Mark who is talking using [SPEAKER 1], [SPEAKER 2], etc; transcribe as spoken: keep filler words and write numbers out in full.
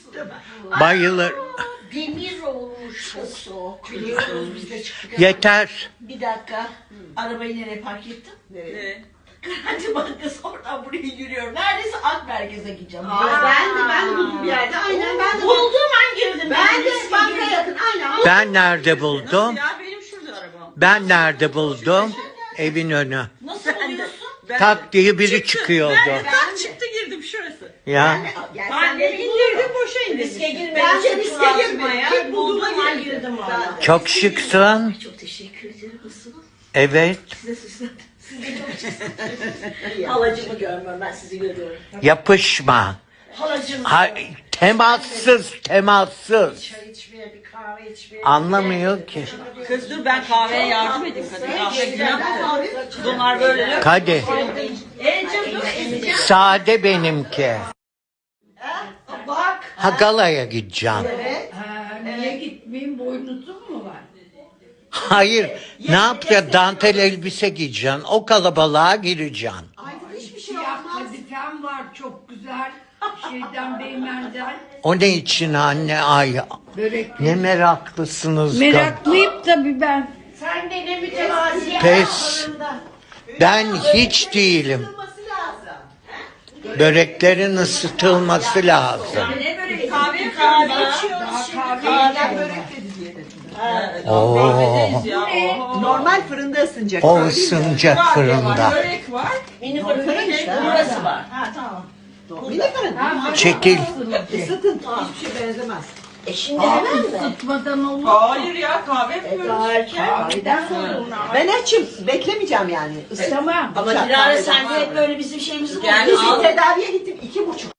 [SPEAKER 1] Bayılır.
[SPEAKER 2] Demir olmuş çok soğuk. Biliyoruz biz de çıktık.
[SPEAKER 1] Yeter.
[SPEAKER 2] Bir dakika. Arabayı nereye park ettim?
[SPEAKER 3] Ne?
[SPEAKER 2] Garanti Bankası oradan buraya yürüyorum. Neredeyse Ak Merkez'e gideceğim.
[SPEAKER 4] Aa, ben de ben de buldum bir yerde. Aynen ben de
[SPEAKER 2] Bulduğum an girdim.
[SPEAKER 4] Ben de
[SPEAKER 2] riske
[SPEAKER 4] banka
[SPEAKER 2] girdim.
[SPEAKER 4] yakın. Aynen.
[SPEAKER 1] Ben nerede buldum?
[SPEAKER 3] Ya benim şurada arabam.
[SPEAKER 1] Ben nerede buldum? Evin önü.
[SPEAKER 2] Nasıl buluyorsun?
[SPEAKER 3] Ben
[SPEAKER 1] Tak diye biri
[SPEAKER 3] Çıktı.
[SPEAKER 1] çıkıyordu.
[SPEAKER 3] Ben tak çıktı girdim şurası.
[SPEAKER 1] Ya.
[SPEAKER 4] Gel
[SPEAKER 3] Ben
[SPEAKER 4] sen
[SPEAKER 3] de
[SPEAKER 4] de
[SPEAKER 3] indirdim boşa indirdim.
[SPEAKER 2] Riske girmedim.
[SPEAKER 4] Ben de
[SPEAKER 2] çok
[SPEAKER 4] riske
[SPEAKER 2] rahatım
[SPEAKER 4] girmedim.
[SPEAKER 2] ya.
[SPEAKER 4] Tek bulduğuma
[SPEAKER 2] Bulduğum an
[SPEAKER 4] girdim.
[SPEAKER 2] girdim
[SPEAKER 4] Ben
[SPEAKER 2] valla.
[SPEAKER 4] de.
[SPEAKER 1] Çok şıksın.
[SPEAKER 2] Çok teşekkür ederim. Nasılsınız?
[SPEAKER 1] Evet.
[SPEAKER 2] Size süslendim. Siz de çok şıksınız. Halacımı görmüyorum. Ben sizi görüyorum.
[SPEAKER 1] Yapışma.
[SPEAKER 2] Halacım.
[SPEAKER 1] Ha, temassız, temassız.
[SPEAKER 2] Çay içmeye, bir kahve içmeye.
[SPEAKER 1] Anlamıyor ki.
[SPEAKER 3] Kız dur ben kahveye yardım edeyim kadın. Kahve günahtır. Bunlar böyle.
[SPEAKER 1] Hadi.
[SPEAKER 3] E canım dur.
[SPEAKER 1] Sade benimki.
[SPEAKER 2] Bak.
[SPEAKER 1] Ha galaya gideceğim.
[SPEAKER 5] Ha, niye gitmeyeyim? Boynuzum mu var?
[SPEAKER 1] Hayır. Ne yapacağım? Dantel elbise giyeceksin. O kalabalığa gireceksin.
[SPEAKER 4] Aydın hiçbir şey
[SPEAKER 5] Siyah
[SPEAKER 4] olmaz.
[SPEAKER 5] kadifem var çok güzel. Şeyden Beymen'den.
[SPEAKER 1] O ne için anne? Ay
[SPEAKER 5] Börek.
[SPEAKER 1] ne meraklısınız.
[SPEAKER 5] Meraklıyım tabii ben.
[SPEAKER 2] Sen de ne mütevazi.
[SPEAKER 1] Pes. Ben hiç değilim.
[SPEAKER 4] Olması lazım.
[SPEAKER 1] Böreklerin ısıtılması lazım.
[SPEAKER 3] Ne böyle kahve kahve içiyoruz
[SPEAKER 5] Daha
[SPEAKER 3] şimdi.
[SPEAKER 5] kahve
[SPEAKER 4] Kahve börek dedi diye dedim.
[SPEAKER 1] Oo.
[SPEAKER 3] Kahvedeyiz ya. oho.
[SPEAKER 4] Normal fırında ısınacak.
[SPEAKER 1] O
[SPEAKER 4] öyle değil mi?
[SPEAKER 1] ısınacak
[SPEAKER 3] Var,
[SPEAKER 1] fırında.
[SPEAKER 3] Börek var.
[SPEAKER 2] Mini fırın işte. Burası var. Ha tamam.
[SPEAKER 4] Bir de fırın.
[SPEAKER 1] Çekil.
[SPEAKER 4] Isıtın. Hiçbir şey benzemez.
[SPEAKER 2] E şimdi hemen mi?
[SPEAKER 5] Isıtmadan olur.
[SPEAKER 3] Hayır ya kahve yapıyoruz.
[SPEAKER 2] Erken.
[SPEAKER 5] Kahveden sonra olur.
[SPEAKER 4] Ben açım. Beklemeyeceğim yani. Isıt.
[SPEAKER 5] Tamam.
[SPEAKER 2] Ama Dilara sen de hep böyle bizim şeyimizi
[SPEAKER 3] Yani
[SPEAKER 4] Biz
[SPEAKER 2] buluyorsun.
[SPEAKER 3] al.
[SPEAKER 4] tedaviye gittim. iki buçuk